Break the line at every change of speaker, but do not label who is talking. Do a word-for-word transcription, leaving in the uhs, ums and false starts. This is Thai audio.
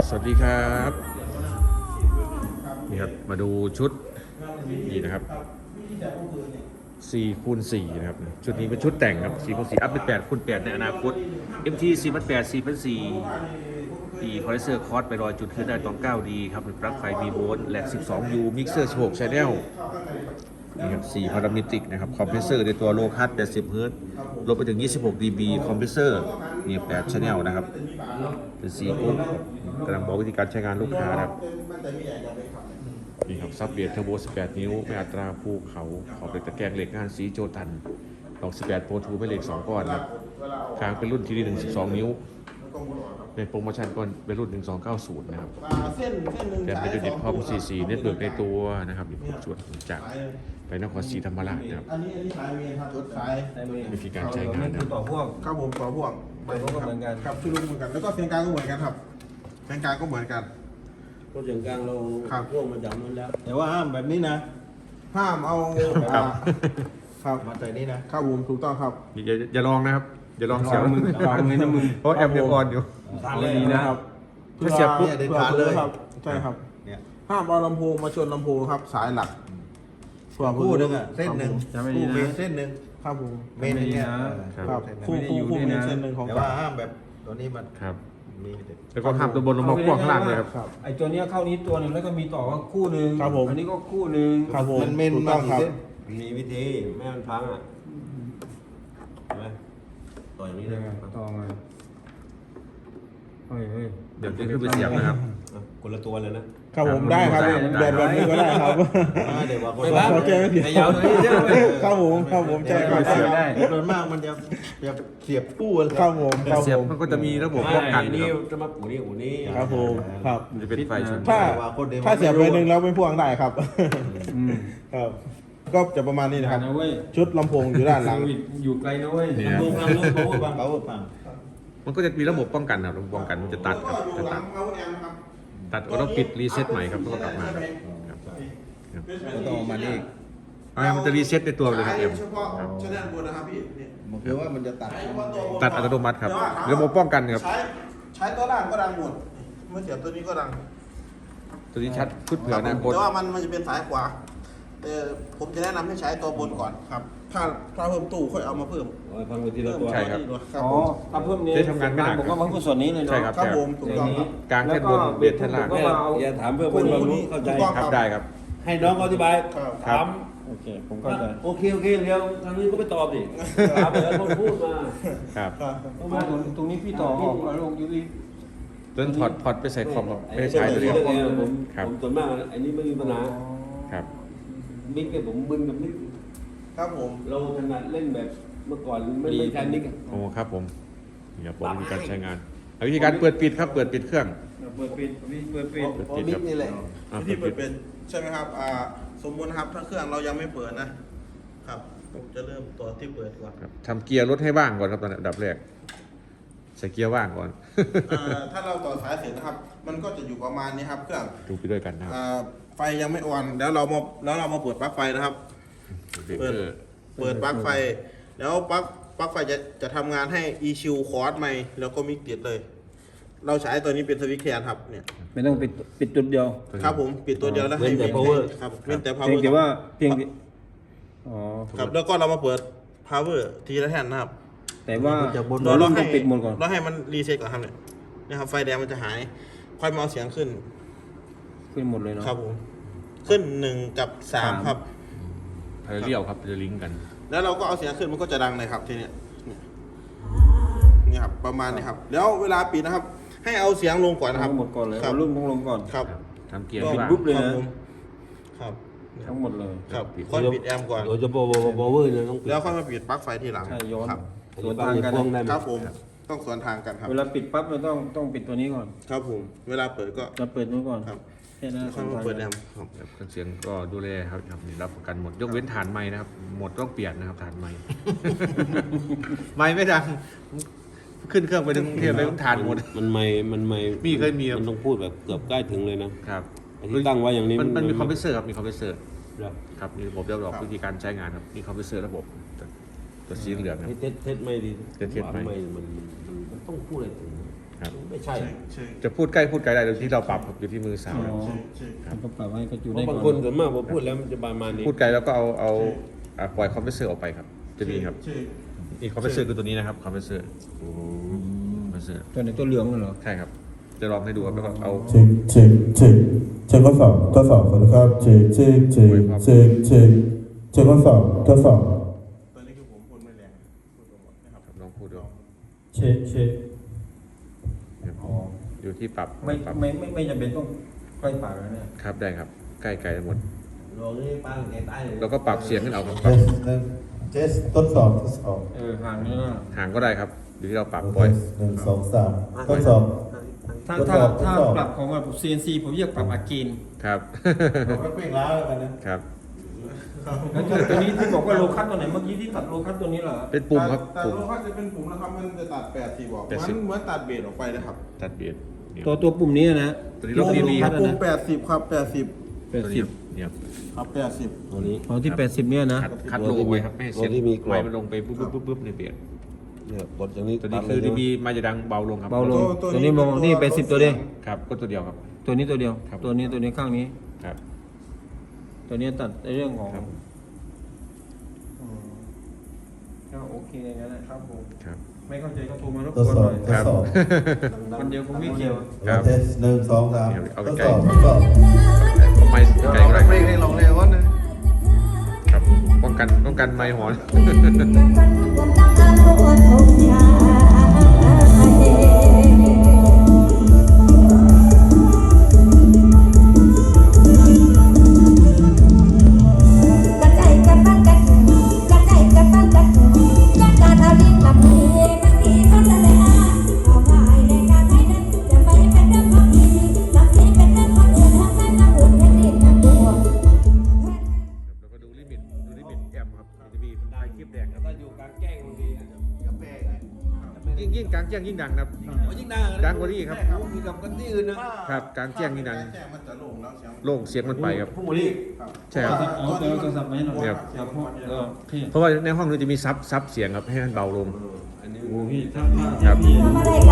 สวัสดีครับนี่ครับมาดูชุดนี่นะครับสี่คูณสี่นะครับชุดนี้เป็นชุดแต่งครับสี่คูณสี่อัพเป็นแปดคูณแปดในอนาคต เอ็ม ที สี่พันแปด สี่พันสี่อีคอนเดนเซอร์คอร์สไปรอยจุดขึ้นได้ตอน เก้า ดี ครับเป็นปลั๊กไฟ บี โวลต์แหลก สิบสอง ยู มิกเซอร์ สิบหก ชาแนลนี่ครับสี่พารามิติกนะครับคอมเพรสเซอร์ในตัวโลคัสแปดสิบ เฮิร์ตซ์ลดไปถึง ยี่สิบหก ดี บี คอมเพรสเซอร์นี่แปด ชาแนลนะครับเป็นสี่กุ๊กกำลังบอกวิธีการใช้งานลูกค้าครับนี่ครับซับเบียดเทอร์โบสิบแปด นิ้วไม่อัตราภูเขาขอบเหล็กตะแกรงเหล็กงานสีโจตันดอกสิบแปดโปรทูไม่เหล็กสองก้อนครับคางเป็นรุ่นทีดีหนึ่งสิบสองนิ้วในโปรโมชั่นก้อนเป็นรุ่นหนึ่งสองเก้าศูนย์นะครับแต่เป็นจุดเด่นพร้อมซีซีเน็ตเบิร์กในตัวนะครับส่วนจากไปนครศรีธรรมราชนะครับวิธีการใช้งานนะ
ต่อพ่วง
ครับผมต่อพ่วง
ต่อพ่วงก็เหมือนกัน
ครับชุดลูกเหมือนกันแล้วก็เสียงกลางก็เหมือนกันครับเสียงกลางก็เหมือนกัน
รถเสียงกลางเรา
ครับ
พ่วงมาจากนั้นแล้ว แต่ว่าห้ามแบบนี้นะ
ห้ามเอา
ครับ
ครับ
มาใส่นี่นะครับ
ผมถูกต้องครับ
อย่าอย่าลองนะครับอย่าลองเสียบ
มือวางมือนะมือ
เพราะแอมยังอ่อนอยู่
ทานเลยนะครับ
ถ้าเสียบปุ๊บ
เพื่อเพื่อครับใช่ครับ
เนี่ย
ห้ามเอาลำโพงมาชนลำโพงครับสายหลัก
คู่หนึ่งอ่ะเส้นหนึ่ง
จำไม่ดี
คู่
นะ
เมนเส้นหนึ่ง
ครับผม
เมนเนี่ย
ครับ
เส้นหนึ่ง
คู่
ไม่ได้
คู่
อยู่
คู่
ด้วย
มี
นะ
เส้นหนึ่งของ
แต่
ก
ว่า
ลาง
ห้ามแบบตัวนี้มัน
ครับ
มี
แล้วก็ห้ามตัวบนลงมาพ่วงข้างล่างเลยครับ
ครับ
ไอ้ตัวเนี้ยเข้านี้ตัวหนึ่งแล้วก็มีต่อก็คู่หนึ่ง
ครับผม
อันนี้ก็คู่หนึ่ง
ครับผม
มันเมน
ถูก
มา
ต้อง
กี่
ครับ
เส้นมีวิธีไม่ให้มันพังอ่ะเห็นไหมต่ออย่างนี้เลย
ต่อมาเฮ้ยเฮ้ย
เดี๋ยวจะขึ้นไปเสียบนะครับ
อ่ะคนละตัวเลยนะครับ
ผมได้ครับ
ได้
แบบแบบนี้ก็ได้ครับ
อ่าเดี๋ยวว่าคน
ไม่
ละ
บ้า
โอเคไม่ผิด
ไอ้ยาวตัวนี้ใช่ไหม
ครับผมครับผมใช่ครับ
เสียบได้
โดยมากมันจะจะเสียบคู่กัน
ครับผมครับ
เสียบ
ผม
มันก็จะมีระบบป้องกัน
ไม่
นะ
นี่
ครับ
จะมาอูนี่อูนี่
ครับผมครับ
มันจะเป็นไฟชน
ถ้า
ว่าคนเดียว
ถ้าเสียบไปหนึ่งแล้วไม่พ่วงได้ครับ
อืม
ครับ ก็จะประมาณนี้นะครับ
นะเว้ย
ชุดลำโพงอยู่ด้านหลัง
โควิดอยู่ไกลนะเว้ย
เนี่ย
ลำโพงฟังลำโพงฟังเบาฟัง
มันก็จะมีระบบป้องกันครับระบบป้องกันมันจะตัดครับจะตัดตัดก็ต้องปิดรีเซ็ตใหม่ครับแล้วก็กลับมาครับครับครับ
ก็ต้องเอามานี่
เอาให้มันจะรีเซ็ตในตัวเลยครับเอ็ม
เฉพาะ
ครับ
ชแนลบนนะครับพี่เนี่ย
มันคือว่ามันจะตัด
ตัดอัตโนมัติครับระบบป้องกันครับ
ใช้ใช้ตัวล่างก็ดังหมดเมื่อเสียบตัวนี้ก็ดัง
ตัวนี้ชัดชุดเผื่อ
ค
อ
รับ
นา
ผม
คต
แต่ว่ามันมันจะเป็นสายขวาเออผมจะแนะนำให้ใช้ตัวบนก่อนครับ ถ้าถ้าเพิ่มตู้ค่อยเอามาเพิ่ม
ฟังไปทีละตัว
ใช่ครับ
ครับ
อ๋อ
ผม
ถ้าเพิ่มนี้
ได้ทำงานไม่หนัก
ผมก็มาเพิ่มส่วนนี้เลยเนาะ
ใช่ครับ
ครับผมถูกต้องครับ
กลางแท่นบนเบสแท่นล่าง
ก็มาเอา
อย่าถามเพื่อคนรู้เข้าใจ
ถูกต้อง
ครับได้ครับ
ให้น้องเขาอธิบาย
ครับ
ถาม
โอเค ผมเข้าใจ
โอเคโอเคเดี๋ยวทางนี้ก็ไปตอบดิถามแล้วคนพูดมา
ครับ
ครับ
ตรงนี้ตรงนี้พี่ต่อออกเอาลงยูริ
ต้นถอดพอดไปใส่คอมครับไม่ได้ใช้ตัวเดียว
ผม
ครับ
ผมส่วนมากอันนี้ไม่มีปัญหา
ครับ
มิกเนี่ยผมบึนกับมิก
ครับผม
เราถนัดเล่นแบบเมื่อก่อนไม่ไม่ใช่มิก
โอ้ครับผมนี่ครับผมวิธีการใช้งานเอาวิธีการเปิดปิดครับเปิดปิดเครื่อง
เปิดปิดเปิดปิด
เพราะมิกนี่แหละ
อ่า
ที่เปิดเป็นใช่ไหมครับอ่าสมมุตินะครับถ้าเครื่องเรายังไม่เปิดนะครับผมจะเริ่มตัวที่เปิดก่อน
ครับทำเกียร์รถให้ว่างก่อนครับตอนอันดับแรกใส่เกียร์ว่างก่อน
อ่าถ้าเราต่อสายเสร็จนะครับ มันก็จะอยู่ประมาณนี้ครับเครื่อง
ดูไปด้วยกันนะครับ
อ่าไฟยังไม่ออนแล้วเรามาแล้วเรามาเปิดปลั๊กไฟนะครับ
เบรกเกอร์
เปิดปลั๊กไฟ แล้วปลั๊กปลั๊กไฟจะจะทำงานให้ อี คิว คอร์สใหม่แล้วก็มิกติดเลย เราใช้ตัวนี้เป็นสวิตช์แคนครับเนี่ย
ไม่ต้องปิดปิดจุดเดียว
ครับผมปิดตัวเดียวแล้วให้มิกครับเว้นแต่
เพียง
power
แต่ว่าเพียงแต่อ๋อ
ครับแล้วก็เรามาเปิด power ทีละแท่นนะครับ
แต่ว่า
เรา
เรา
เรา
ต้
ให้
องปิดหมดก่อน
เราให้มันรีเซ็ตก่อนครับเนี่ยนะครับไฟแดงมันจะหาย ค่อยมาเอาเสียงขึ้น
ขึ้นหมดเลยเนาะ
ครับผมขึ้นหนึ่งกับสามครับ
พาราเรียลครับจะลิงก์กัน
แล้วเราก็เอาเสียงขึ้นมันก็จะดังเลยครับทีเนี้ยเนี่ยนี่ครับประมาณนี้ครับ แล้วเวลาปิดนะครับ ให้เอาเสียงลงก่อนนะครับ
ทั้งหมดก่อนเลย
ครั
เอา
บ
รุ่นของลงก่อน
ครับ
ครับทำเกียร์
ก็
ให้ว่าง
ปุ๊บเลย
ครับ
นะ
ผมครับ
ทั้งหมดเลย
ครับค่อยปิดแอมป์ก่อน
โดยเฉพาะบอเวอร์เนี่ยต้องปิด
แล้วค่อยมาปิดปลั๊กไฟทีหลัง
ใช่ย้อน
ครับ
สวนทางกัน
พ่วงได้ไหม
ครับผมต้องสวนทางกันครับ
เวลาปิดปั๊บเราต้องต้องปิดตัวนี้ก่อน
ครับผม เวลาเปิดก็
จะเปิดนู้นก่อน
ครับ
แค่นั้น
แล้วค่อยมาเปิดแอมป์ครับ
ครับเครื่องเสียงก็ดูแลครับครับนี่รับประกันหมดยกเว้นฐานไม้นะครับ หมดต้องเปลี่ยนนะครับฐานไม้ ไม้ไม่ดัง ขึ้นเครื่องไปถึงกรุงเทพไปต้องฐานหมด
มันไม่มันไม่
มีเคยมีครับ
มันต้องพูดแบบเกือบใกล้ถึงเลยนะครับ ไอ้ที่ตั้งไว้อย่างนี้
มันมันมี
มัน
คอมเพรสเซอร์ครับมีคอมเพรสเซอร์
ครับ
ครับมีระบบเรียบร้อยวิธีการใช้งานครับมีคอมเพรสเซอร์ระบบตัวสีเหลืองครับ
ให้เท็จเท็จไม่ดี
เท็จเท็จไม่
มันมันมันมันต้องพูดอะไรถึง
ครับ
ไม่ใช่
เช็ค
จะพูดใกล้พูดไกลได้โดยที่เราปรับอยู่ที่มือสาว
อ๋อ
เช็คเช็ค
มันก็ปรับให้กระจู
เพ
ได้
ราะ
ก่
บาง
อน
คนส่วนมากพอพูดแล้วมันจะประมาณนี้
พูดไกลแล้วก็เอาเอาอ่าปล่อยคอมเพรสเซอร์ออกไปครับ จะมีครับ
เช็ค
อีกคอมเพรสเซอร์คือตัวนี้นะครับคอมเพรสเซอร์คอมเพรสเซอร์
ตัวไหนตัวเหลืองนั่นเหรอ
ใช่ครับ จะลองให้ดูครับแล้วก็เอา
เช็คเช็คเช็คเช็คข้อสอบทดสอบสวัสดีครับเช็คเช็คเช็คเช็คเช็คเช็คข้อสอบทดสอบ
ตัวนี้คือผมพูดไม่แรงพูดตรงๆนะครับ
ครับลองพูดดู
เช็คเช็ค
ครับอยู่ที่ปรับ
ไม่
ปรับ
ไม่ไม่ไม่จำเป็นต้องใกล้ปากแล้วเนี่ย
ครับได้ครับ ใกล้ไกลหมด
ลองนี่ป้าแกตายเลย
แล้วก็ปรับเสียงขึ้นเอาครับ
เทสหนึ่งเทสทดสอบทดสอบ
เออห่างนี่นะ
ห่างก็ได้ครับอยู่ที่เราปรับ
เท
ปล่อย
สหนึ่งสองสามทดสอบ
ถ้า
ทดส
ถ้า
อบ
ถ้า
ทดสอบ
ปรับของแบบ ซี เอ็น ซี ผมเรียกปรับอากีน
ครับ
เราก็เปล่งล้าแล้วกันนะครับ
แล้วตัวตัวนี้ที่บอกว่าโลคัสตัวไหนเมื่อกี้ที่ตัดโลคัสตัวนี้เหรอ
เป็นปุ่มครับ
แต่
ปุ่ม
โลคัสจะเป็นปุ่มนะครับมันจะตัดแปดสิบออก
แปดสิบ
มันเหมือนตัดเบสออกไปนะครับ
ตัดเบียดเนี่ย
ตัวตัวปุ่มนี้นะ
ตัวนี้ลบดีดีครับ
ปุ่มแปดสิบครับแปดสิบ
แปดสิบ
เนี่ยครับ
ครับแปดสิบ
ตัวนี้
ของที่แปดสิบเนี่ยนะ
คัดคัดโลไว้ครับไม่ให้เสียง
ตัวที่มีกรอบ
ไม้มันลงไปปุ๊บปุ๊บปุ๊บปุ๊บในเบียด
เนี่ยกดอย่างนี้
ตัวนี้คือดีบีมาจะดังเบาลงครับ
เบาลง ตัวนี้มองนี่แปดสิบตัวเดียว
ครับก็ตัวเดียวครับ
ตัวนี้ตัวเดียว
ครับ
ตัวนี้ตัวนี้ข้างนี้
ครับ
ตัวนี้ตัดในเรื่องของ
ครับ
อืมก็โอเคงั้นนะครับผม
ครับ
ไม่เข้าใจก็โทรมารบ
ทด
กวน
ส
ห
อ
น่
บ
อย
ทดสอบ
คนเดียวคงไม่เกี่ยว
ครับ
เทสหนึ่งสองสาม
เอา
ท
ไป
ด
ไกล
สอบทดสอบ
ไม่ไกลก็ได้
ไม่ให้ลองเลยว่านะ
ครับป้องกันป้องกันไม้หอน
กระจายกระปั้นกระถุงกระจายกระปั้นกระถุงจัดการเอาลิ้นกับมือมันดีก็จะได้อาเอาไว้ในการให้นั้นจะไม่เป็นเรื่องของดีสักทีเป็นเรื่องของอื่นทำให้มาอุ่นแค่ดินน้ำตัว
แล้วก็ดูลิมิตดูลิมิตแอมป์ครับจะมีมันได้คลิปแดงครับ
ถ้าอยู่กลางแจ้งบางทีกับแม่ไง
ยิ่งยิ่งกลางแจ้งยิ่งดังนะครับ
ยิ่งดัง
ดังกว่านี้ครับ
มีกับกันที่อื่นนะครับ
กลางแจ้งยิ่งดัง
แจ้งมันจะโล่งแล้วเสียง
โล่งเสียงมันไปครับ
พวกนี้
ครับ
ใช่ครับ
เอาตัวโทรศัพท์มาให้หน่อย
ครับ
ครับพ่อเออโอเค
เพราะว่าในห้องนู้นจะมีซับซับเสียงครับให้มันเบาลง
อันนี้
โอ้พี่ถ้าถ้า
ครับ
พี่
ทำอะไร